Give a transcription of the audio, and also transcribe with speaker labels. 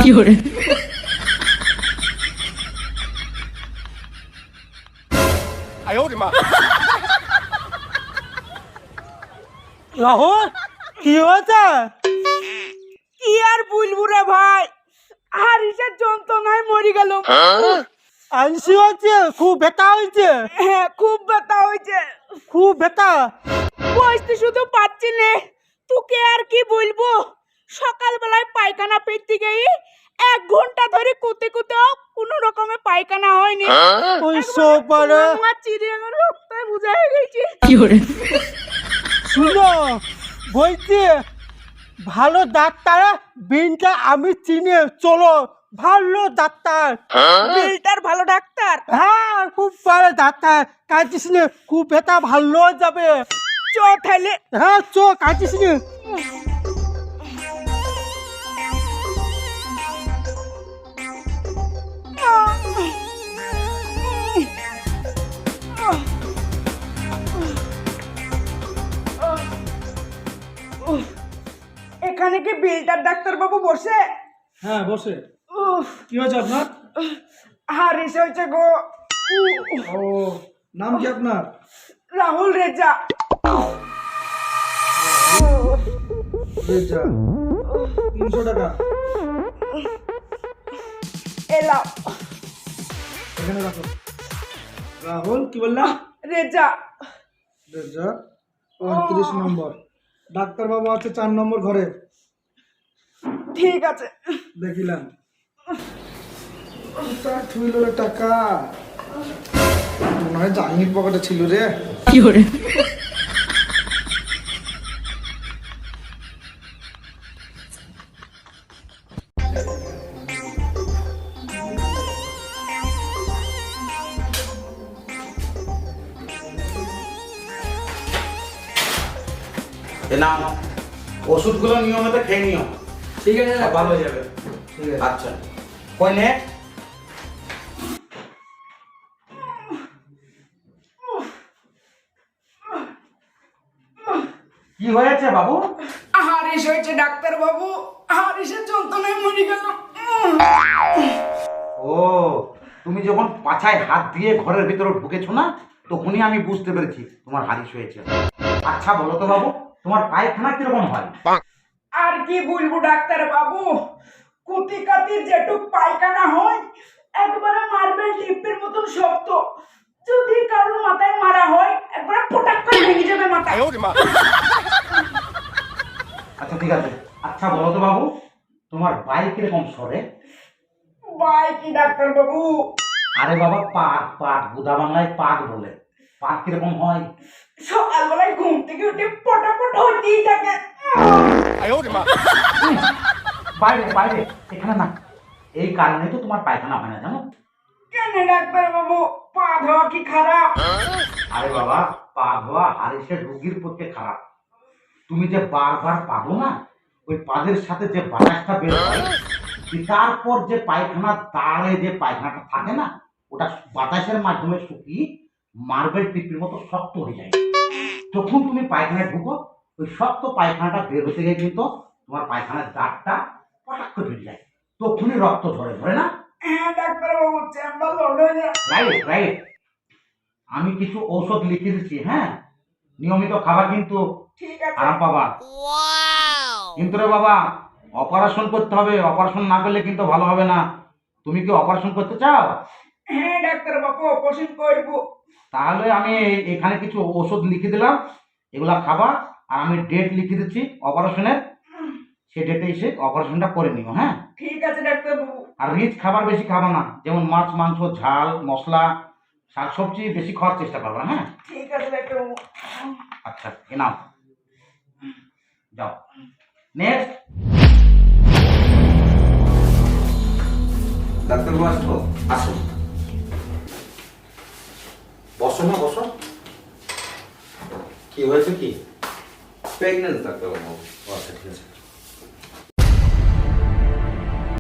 Speaker 1: রাহুল কি হয়েছে?
Speaker 2: কি আর বলবো রে ভাই, হারিসের যন্ত্রণায় মরে গেল।
Speaker 1: আইসি হয়েছে? খুব ব্যথা হয়েছে?
Speaker 2: হ্যাঁ, খুব ব্যথা হয়েছে।
Speaker 1: খুব ব্যথা?
Speaker 2: বসতে শুধু পাচ্ছি নে, তোকে আর কি বলবো। সকালবেলায় পায়খানা পেতে গিয়ে 1 ঘন্টা ধরে কুতে কুতেও কোনো রকমে পায়খানা হয়নি।
Speaker 1: ওই সকালে
Speaker 2: আমার চিড়িয়াখানা রক্তায় বুঝা হয়ে গেছে।
Speaker 1: শুনো, বলছি ভালো ডাক্তার বিনটা আমি চিনি, চলো। ভালো ডাক্তার,
Speaker 2: বিলটার ভালো ডাক্তার।
Speaker 1: হ্যাঁ খুব ভালো ডাক্তার। কাঁদিস নে, খুব ব্যথা ভালো হয়ে যাবে।
Speaker 2: চ তাহলে।
Speaker 1: হ্যাঁ চ, কাঁদিস নে।
Speaker 2: এখানে কি বিলটার ডাক্তার বাবু বসে?
Speaker 1: হ্যাঁ বসে।
Speaker 2: উফ,
Speaker 1: কি হয়েছে আপনার?
Speaker 2: হারিস হয়েছে গো।
Speaker 1: ও, নাম কি আপনার?
Speaker 2: রাহুল রেজা।
Speaker 1: রেজা, 300 টাকা
Speaker 2: এলাও।
Speaker 1: এখানে রাখো। রাহুল কি বললা?
Speaker 2: রেজা।
Speaker 1: রেজা 35 নম্বর। ডাক্তার বাবু আছে 4 নম্বর ঘরে।
Speaker 2: ঠিক আছে।
Speaker 1: দেখিলাম থুইল টাকা, মনে হয় জাঙ্গির পকেটে ছিল রে।
Speaker 3: নাও, ওষুধগুলো নিয়মিত খেয়ে নিও।
Speaker 1: ঠিক আছে,
Speaker 3: সব ভালো হয়ে যাবে।
Speaker 1: ঠিক আছে।
Speaker 3: আচ্ছা, কই নে? কি হয়েছে বাবু?
Speaker 2: হারিস হয়েছে ডাক্তার বাবু, হারিসের যন্ত্রণায় মরে গেল।
Speaker 3: ও, তুমি যখন পাছায় হাত দিয়ে ঘরের ভিতরে ঢুকেছো না, তখনই আমি বুঝতে পেরেছি তোমার হারিস হয়েছে। আচ্ছা বলো তো বাবু, তোমার পায়খানা কিরকম হয়?
Speaker 2: আর কি বলবো ডাক্তার বাবু, কুতি কাতি যেটুক পায়খানা হয় একবারে মার্বেল টিপের মতন শক্ত। যদি কারোর মাথায় মারা হয় একবারে ফটাক করে ভেঙে যাবে মাথা।
Speaker 3: আচ্ছা ঠিক আছে। আচ্ছা বলো তো বাবু, তোমার বাইক কিরকম সরে?
Speaker 2: বাই কি ডাক্তার বাবু?
Speaker 3: আরে বাবা, পাক পাক, বুধা বাংলায় পাক বলে। পাক কিরকম হয়?
Speaker 2: সকালবেলায় ঘুম থেকে উঠে পটাপট হতেই থাকে।
Speaker 3: বাইরে বাইরে, এখানে না। এই কারণে তো তোমার পায়খানা হয় না, জানো?
Speaker 2: কেন ডাক্তার বাবু, পা ধোয়া কি খারাপ?
Speaker 3: আরে বাবা, পা ধোয়া হারিসের রোগীর পক্ষে খারাপ। তুমি যে বারবার পাবো না, ওই পাদের সাথে যে বাতাসটা বের হয়, তারপর যে পায়খানা দাঁড়ে যে পায়খানাটা থাকে না, ওটা বাতাসের মাধ্যমে শুকিয়ে মার্বেল টিপের মতো শক্ত হয়ে যায়। যখন তুমি পায়খানায় ঢুকো, ওই শক্ত পায়খানাটা বের হতে গিয়ে কিন্তু তোমার পায়খানার দাঁতটা পটাক করে বেরিয়ে যায়। তখনই রক্ত ঝরে, ধরে না?
Speaker 2: হ্যাঁ ডাক্তার বাবু, চেম্বার লোড হয়ে যায়।
Speaker 3: Right right. আমি কিছু ঔষধ লিখে দিচ্ছি, হ্যাঁ? নিয়মিত খাবার, কিন্তু
Speaker 2: ঠিক আছে।
Speaker 3: আরাম পাবা। কিন্তু রে বাবা, অপারেশন করতে হবে। অপারেশন না করলে কিন্তু ভালো হবে না। তুমি কি অপারেশন করতে চাও?
Speaker 2: হ্যাঁ ডাক্তার বাবু, অপারেশন করবো।
Speaker 3: তাহলে আমি এখানে কিছু ওষুধ লিখে দিলাম, এগুলা খাবা। আর আমি ডেট লিখে দিচ্ছি অপারেশনের, সে ডেটে এসে অপারেশনটা করে নিও, হ্যাঁ?
Speaker 2: ঠিক আছে ডাক্তার বাবু।
Speaker 3: আর রিচ খাবার বেশি খাবা না, যেমন মাছ মাংস ঝাল মশলা শাকসবজি বেশি খাওয়ার চেষ্টা করবা, হ্যাঁ?
Speaker 2: ঠিক আছে ডাক্তার বাবু।
Speaker 3: আচ্ছা, এ নাও, যাও। নেক্সট। ডাক্তারবাবু আসবো? আসুন, বসো না, বসো। কি হয়েছে? কি
Speaker 4: প্রেগনেন্ট ডাক্তারবাবু।
Speaker 3: আচ্ছা ঠিক আছে।